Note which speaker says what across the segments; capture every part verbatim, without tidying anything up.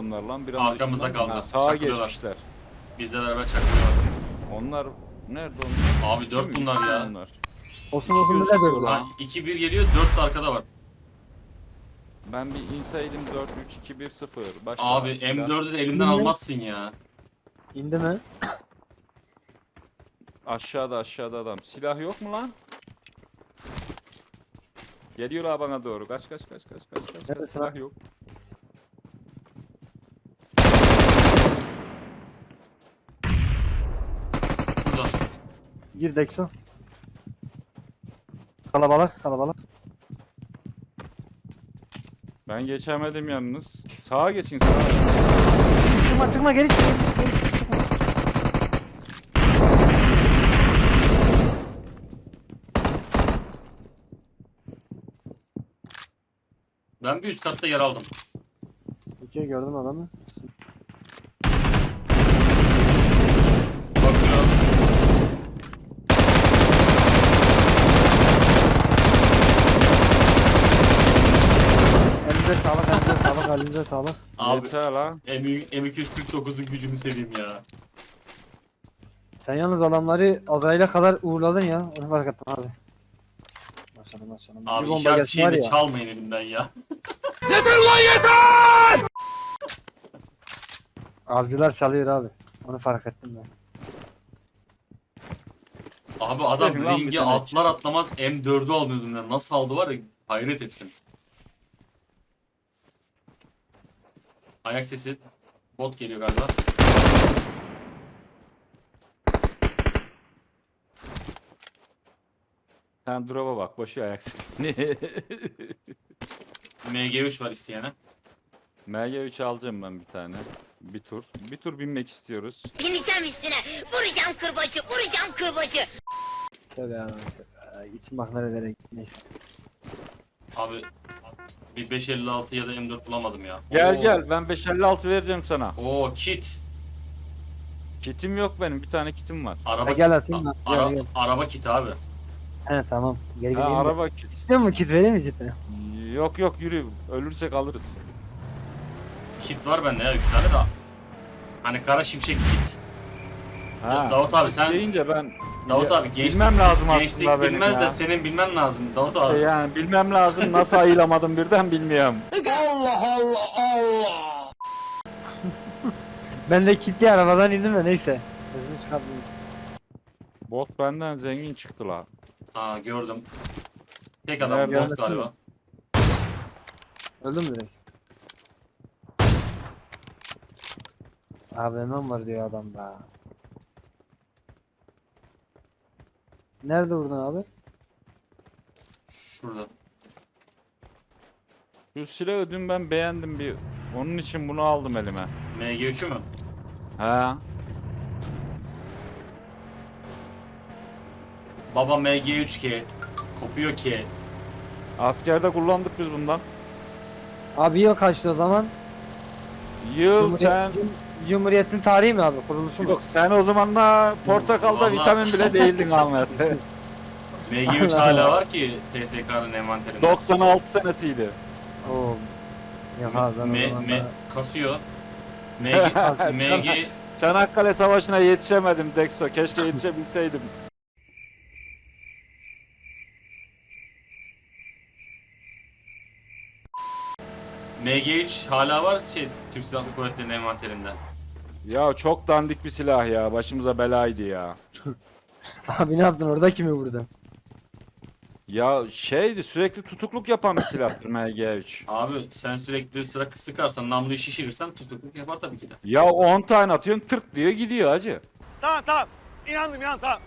Speaker 1: onlar lan? Bir an
Speaker 2: Arkamızda
Speaker 1: dışından-
Speaker 2: kaldı.
Speaker 1: Ha, sağa
Speaker 2: Çakılıyorlar.
Speaker 1: geçmişler.
Speaker 2: Bizle beraber çakılıyorlar.
Speaker 1: Onlar nerede onlar?
Speaker 2: Abi dört
Speaker 1: İki mi,
Speaker 2: bunlar
Speaker 1: üç mü
Speaker 2: ya.
Speaker 1: Bunlar.
Speaker 3: Olsun olsun
Speaker 1: İki
Speaker 3: bile
Speaker 1: gözüküyor
Speaker 3: dövdü.
Speaker 1: lan.
Speaker 2: Ha, iki bir geliyor, dört de arkada var.
Speaker 1: Ben bir inseydim dört üç iki bir sıfır. Başka
Speaker 2: Abi
Speaker 1: silah-
Speaker 2: M dördü de elinden
Speaker 3: Ne?
Speaker 2: almazsın ya.
Speaker 3: İndi mi?
Speaker 1: Aşağıda aşağıda adam. Silah yok mu lan? Geliyorlar bana doğru. Kaç kaç kaç kaç kaç kaç. kaç.
Speaker 3: Nerede
Speaker 1: Silah
Speaker 3: silah?
Speaker 1: yok.
Speaker 2: Burada.
Speaker 3: Gir Dexo. Kalabalık kalabalık.
Speaker 1: Ben geçemedim yalnız. Sağa geçin sağa.
Speaker 3: Çıkma çıkma geri çık. Geri çık, çıkma.
Speaker 2: Ben bir üst katta yer aldım.
Speaker 3: İkiye gördüm adamı.
Speaker 2: Bakıyor.
Speaker 3: Elinize sağlık, elinize sağlık, elinize sağlık.
Speaker 2: Abi
Speaker 1: Yeter lan.
Speaker 2: M iki yüz kırk dokuzun gücünü seveyim ya.
Speaker 3: Sen yalnız adamları Azrail'e kadar uğurladın ya. Onu fark ettim abi. Maşallah maşallah. Bir
Speaker 2: Abi
Speaker 3: bomba
Speaker 2: işaret
Speaker 3: gelsin var
Speaker 2: şeyini
Speaker 3: ya.
Speaker 2: çalmayın elimden ya.
Speaker 3: Avcılar çalıyor abi. Onu fark ettim ben.
Speaker 2: Abi adam
Speaker 1: Verin lan bir
Speaker 2: ringe
Speaker 1: tane.
Speaker 2: atlar atlamaz M dördü aldı önümden. Nasıl aldı var ya, hayret ettim. Ayak sesi. Bot geliyor galiba.
Speaker 1: Sen drop'a bak. Boşu ayak sesini.
Speaker 2: M G üç var isteyene.
Speaker 1: M G üç alacağım ben bir tane. Bir tur. Bir tur binmek istiyoruz.
Speaker 4: Bineceğim üstüne. Vuracağım kırbacı, vuracağım kırbacı.
Speaker 3: Tövbe ya. İçim bak nerelere gitti. Neyse.
Speaker 2: Abi bir beş elli altı ya da M dört bulamadım ya.
Speaker 1: Gel
Speaker 2: Oo.
Speaker 1: gel ben beş elli altı vereceğim sana.
Speaker 2: Oo kit.
Speaker 1: Kitim yok benim. Bir tane kitim var.
Speaker 2: Araba
Speaker 3: Ha, gel
Speaker 2: kit-
Speaker 3: atayım
Speaker 2: a-
Speaker 3: ben. Gel,
Speaker 2: ara-
Speaker 3: gel.
Speaker 2: araba kit abi.
Speaker 3: He tamam. Geri
Speaker 1: Ha,
Speaker 3: geleyim.
Speaker 1: araba kit.
Speaker 3: İstiyor mu kit vereyim mi cidden?
Speaker 1: Yok yok yürü. Ölürsek alırız.
Speaker 2: Kit var bende ya üç tane de. Hani kara şimşek kit.
Speaker 1: Ha.
Speaker 2: Davut abi sen
Speaker 1: Deyince ben
Speaker 2: Davut
Speaker 1: Ya,
Speaker 2: abi gençlik,
Speaker 1: bilmem lazım
Speaker 2: gençlik
Speaker 1: aslında benim
Speaker 2: bilmez
Speaker 1: ya.
Speaker 2: de senin bilmen lazım Davut abi.
Speaker 1: Yani bilmem lazım. Nasıl ayılamadım birden bilmiyorum.
Speaker 3: Ben de kitli arabadan indim de neyse. Sözünü çıkartmayayım.
Speaker 1: Bot benden zengin çıktı la.
Speaker 2: Aa gördüm. Tek adam
Speaker 1: Nerede?
Speaker 2: bot galiba.
Speaker 3: Öldü mü direkt? Abi hemen var diyor adam da. Nerede vurdun abi?
Speaker 2: Şurada.
Speaker 1: Şu silahı dün ben beğendim bir. Onun için bunu aldım elime.
Speaker 2: M G üçü mü?
Speaker 1: Ha.
Speaker 2: Baba M G üç ki. Kopuyor ki.
Speaker 1: Askerde kullandık biz bundan.
Speaker 3: Abi yıl kaçtı o zaman?
Speaker 1: Yıl
Speaker 3: Cumhuriyet-
Speaker 1: sen...
Speaker 3: Cum- Cumhuriyet'in tarihi mi abi? Kuruluşu mu?
Speaker 1: Yok sen o zaman da portakalda
Speaker 2: Vallahi-
Speaker 1: vitamin bile değildin Ahmet.
Speaker 2: M G üç hala var ki T S K'nın envanterinde.
Speaker 1: doksan altı senesiydi.
Speaker 3: Oo. Yok abi ben
Speaker 2: Me,
Speaker 3: o zaman
Speaker 2: me,
Speaker 3: da-
Speaker 2: kasıyor. M G, M G,
Speaker 1: Çanakkale Savaşı'na yetişemedim Dexo. Keşke yetişebilseydim.
Speaker 2: M G üç hala var şey Türk Silahlı Kuvvetleri'nin envanterinde.
Speaker 1: Ya çok dandik bir silah ya. Başımıza belaydı ya.
Speaker 3: Abi ne yaptın orada kimi vurdun?
Speaker 1: Ya şeydi sürekli tutukluk yapan bir silahtır M G üç.
Speaker 2: Abi sen sürekli sıra sıkarsan namluyu şişirirsen tutukluk yapar tabii ki de.
Speaker 1: Ya on tane atıyorsun tırt diyor gidiyor hacı.
Speaker 5: Tamam tamam. İnandım inan tamam.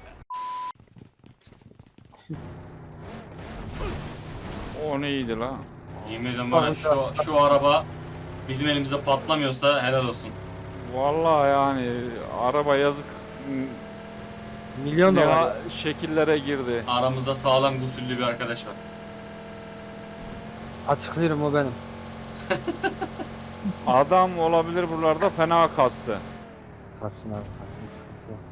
Speaker 1: O neydi lan?
Speaker 2: Yemin ederim var ya, şu, şu araba bizim elimizde patlamıyorsa helal olsun.
Speaker 1: Vallahi yani araba yazık
Speaker 3: Milyon
Speaker 1: ne
Speaker 3: dolar.
Speaker 1: a- şekillere girdi.
Speaker 2: Aramızda sağlam gusüllü bir arkadaş var.
Speaker 3: Açıklıyorum o benim.
Speaker 1: Adam olabilir buralarda fena kastı.
Speaker 3: Kalsın abi kalsın sıkıntı yok.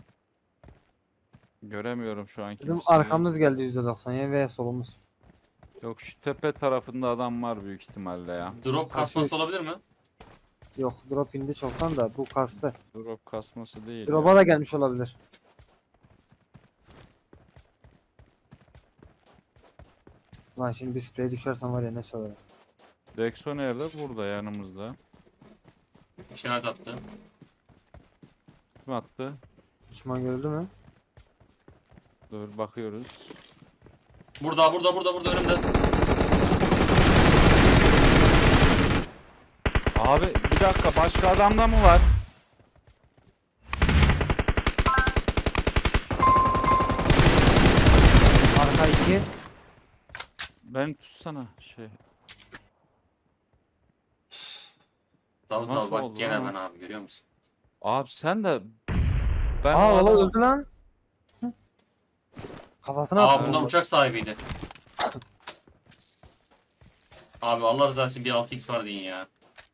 Speaker 1: Göremiyorum şu an
Speaker 3: Bizim
Speaker 1: kimseyi.
Speaker 3: arkamız geldi yüzde doksan ve solumuz.
Speaker 1: Yok şu tepe tarafında adam var büyük ihtimalle ya.
Speaker 2: Drop kasması olabilir mi?
Speaker 3: Yok drop indi çoktan da bu kastı.
Speaker 1: Drop kasması değil.
Speaker 3: Drop'a
Speaker 1: ya.
Speaker 3: da gelmiş olabilir. Lan şimdi bir sprey düşersen var ya ne söylerim.
Speaker 1: Dexo nerede? Burada yanımızda.
Speaker 2: İşaret attı.
Speaker 1: Kim attı?
Speaker 3: Düşman görüldü mü?
Speaker 1: Dur bakıyoruz.
Speaker 2: Burada burada burada burada önümde.
Speaker 1: Abi bir dakika başka adamda mı var?
Speaker 3: Arka iki.
Speaker 1: Ben tutsana şey.
Speaker 2: Davut
Speaker 1: Nasıl
Speaker 2: abi bak
Speaker 1: oldu
Speaker 2: gene
Speaker 1: lan o?
Speaker 2: ben abi görüyor musun?
Speaker 1: Abi sen de ben
Speaker 3: Aa
Speaker 1: o
Speaker 3: valla
Speaker 1: adamı-
Speaker 3: öldü lan. Hı. Kafasına
Speaker 2: Aa
Speaker 3: attı.
Speaker 2: bunda uçak sahibiydi. Abi Allah rızası için bir altı x var deyin ya.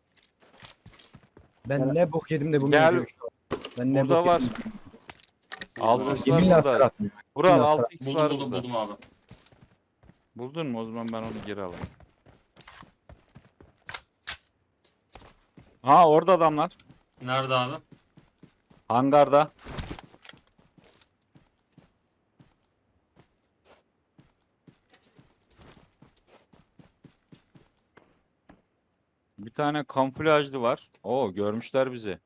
Speaker 6: Ben ne bok yedim de bunu
Speaker 1: Gel.
Speaker 6: yediyorum şu an. Ben ne
Speaker 1: Burada
Speaker 6: bok
Speaker 1: var.
Speaker 6: yedim.
Speaker 1: altı x var
Speaker 6: Yeminle hasar
Speaker 1: burada.
Speaker 6: atmıyor.
Speaker 1: Vural
Speaker 6: Yeminle hasar
Speaker 1: altı x
Speaker 2: Buldum
Speaker 1: var
Speaker 2: buldum
Speaker 1: burada.
Speaker 2: buldum abi.
Speaker 1: Buldun mu? O zaman ben onu geri alayım. Ha orada adamlar.
Speaker 2: Nerede abi?
Speaker 1: Hangarda. Bir tane kamuflajlı var. Oo görmüşler bizi.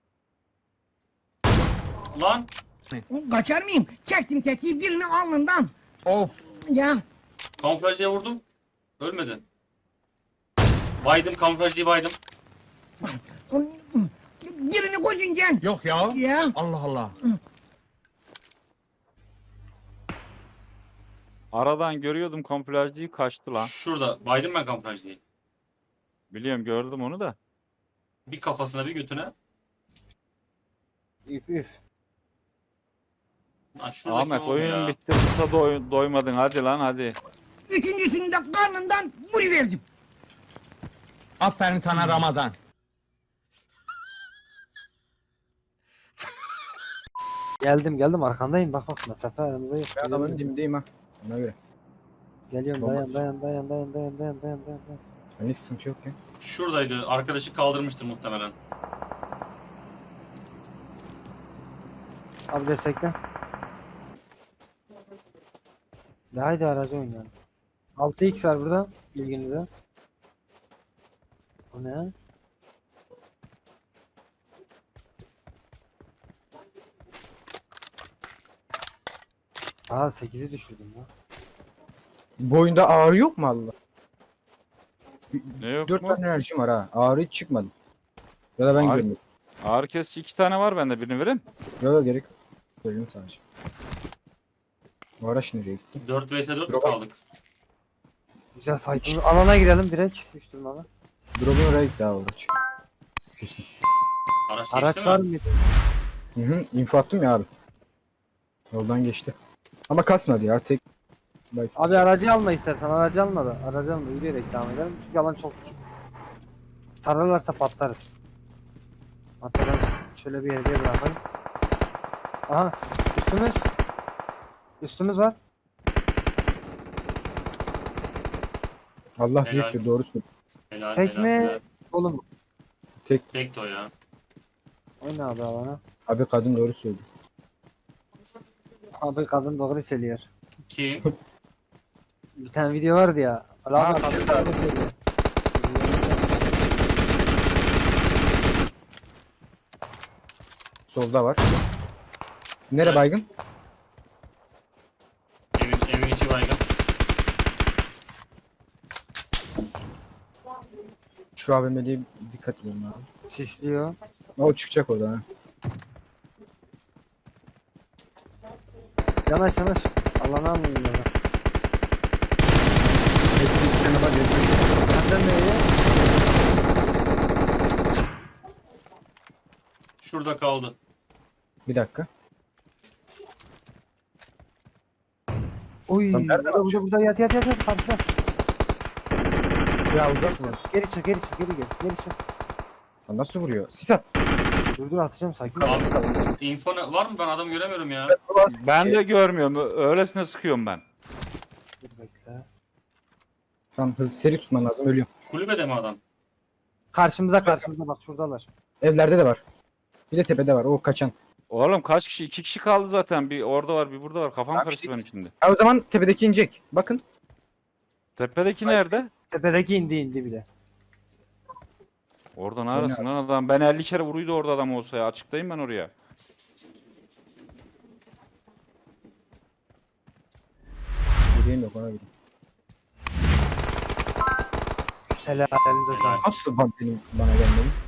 Speaker 2: Lan
Speaker 7: Kaçar mıyım? Çektim tetiği birini alnından. Of. Ya.
Speaker 2: kamuflajlıya vurdum. Ölmedi. Baydım kamuflajlıyı baydım.
Speaker 7: Birini gözünden.
Speaker 8: Yok ya.
Speaker 7: Ya.
Speaker 8: Allah Allah.
Speaker 1: Aradan görüyordum kamuflajlıyı kaçtı lan.
Speaker 2: Şurada baydım ben kamuflajlıyı.
Speaker 1: Biliyorum gördüm onu da.
Speaker 2: Bir kafasına bir götüne.
Speaker 3: Üf üf.
Speaker 2: Lan şuradaki
Speaker 1: Ahmet
Speaker 2: oldu
Speaker 1: oyun
Speaker 2: ya.
Speaker 1: bitti. Tuta doy doymadın hadi lan hadi.
Speaker 7: Üçüncüsünü de karnından vuruverdim.
Speaker 8: Aferin sana Ramazan.
Speaker 3: Geldim geldim arkandayım bak bak mesafe aramızda yok.
Speaker 6: Ben adamın dibindeyim ha. Ona göre.
Speaker 3: Geliyorum
Speaker 6: Bomba
Speaker 3: dayan
Speaker 6: düştü.
Speaker 3: dayan dayan dayan dayan dayan dayan dayan. dayan.
Speaker 6: Benlik sıkıntı yok ya.
Speaker 2: Şuradaydı. Arkadaşı kaldırmıştır muhtemelen.
Speaker 3: Abi destekle. De haydi aracı oynayalım. altı x var burada bilginize. Bu ne? Aa sekizi düşürdüm ya.
Speaker 6: Bu oyunda ağrı yok mu Allah?
Speaker 1: Ne yok
Speaker 6: Dört
Speaker 1: mu?
Speaker 6: tane enerjim var ha. Ağrı hiç çıkmadı. Ya da ben
Speaker 1: Ağrı-
Speaker 6: görmedim.
Speaker 1: Ağrı kesici iki tane var bende birini vereyim.
Speaker 6: Yok yok gerek yok. Söyleyeyim sadece. Bu araç nereye gitti?
Speaker 2: dört vs dört mü
Speaker 6: Drop-
Speaker 2: kaldık?
Speaker 3: Güzel fight'ımız. Alana girelim direkt. Üç durmalı.
Speaker 6: Drop'un oraya gitti abi araç. Kesin.
Speaker 2: Araç geçti
Speaker 3: Araç
Speaker 2: mi?
Speaker 3: var mıydı?
Speaker 6: Hı hı. İnfo attım ya abi. Yoldan geçti. Ama kasmadı ya. Tek Bak.
Speaker 3: Abi aracı alma istersen. Aracı alma da. Aracı alma. Yürüyerek devam edelim. Çünkü alan çok küçük. Tararlarsa patlarız. Hatta ben şöyle bir yere bırakayım. Aha. Üstümüz. Üstümüz var.
Speaker 6: Allah
Speaker 2: Helal.
Speaker 6: büyüktür doğru söylüyor.
Speaker 2: Helal
Speaker 3: Tek
Speaker 2: helal.
Speaker 3: mi?
Speaker 2: helal.
Speaker 3: Oğlum.
Speaker 6: Tek
Speaker 2: Tek de o ya.
Speaker 3: Oyna abi alana.
Speaker 6: abi kadın doğru söylüyor.
Speaker 3: Abi kadın doğru söylüyor.
Speaker 2: Kim?
Speaker 3: Bir tane video vardı ya. Allah
Speaker 1: Ha,
Speaker 3: abi kadın doğru söylüyor.
Speaker 6: Solda var. Nere baygın?
Speaker 2: Evin, evin içi baygın.
Speaker 6: Şu A V M'de dikkat edin abi.
Speaker 3: Sisliyor.
Speaker 6: O çıkacak orada ha.
Speaker 3: Yanaş yanaş. Alana almayayım ben.
Speaker 6: Hepsi bir tane var.
Speaker 3: Senden de iyi.
Speaker 2: Şurada kaldı.
Speaker 6: Bir dakika.
Speaker 3: Oy.
Speaker 6: Lan nereden
Speaker 3: Burada burada burada yat yat yat yat. Karşıda.
Speaker 6: Ya uzak mı?
Speaker 3: Geri çık geri çık geri gel. Geri çık.
Speaker 6: Lan nasıl vuruyor? Sis at.
Speaker 3: Dur dur atacağım sakin.
Speaker 2: Abi info ne- var mı? Ben adamı göremiyorum ya.
Speaker 1: Ben de görmüyorum. Öylesine sıkıyorum ben.
Speaker 3: Dur bekle.
Speaker 6: Tamam hızlı seri tutman lazım ölüyorum.
Speaker 2: Kulübede mi adam?
Speaker 3: Karşımıza karşımıza bak şuradalar.
Speaker 6: Evlerde de var. Bir de tepede var o kaçan.
Speaker 1: Oğlum kaç kişi? İki kişi kaldı zaten. Bir orada var, bir burada var. Kafam
Speaker 6: Ya
Speaker 1: karıştı
Speaker 6: işte-
Speaker 1: benim şimdi.
Speaker 6: Ha, o zaman tepedeki inecek. Bakın.
Speaker 1: Tepedeki nerede?
Speaker 3: Tepedeki indi indi bile.
Speaker 1: Orada ne arasın lan adam? Ben elli kere vuruydu orada adam olsa ya. Açıktayım ben oraya.
Speaker 6: Yürüyeyim yok ona göre.
Speaker 3: Helal elinize sağlık.
Speaker 6: Nasıl bak benim bana gelmedi?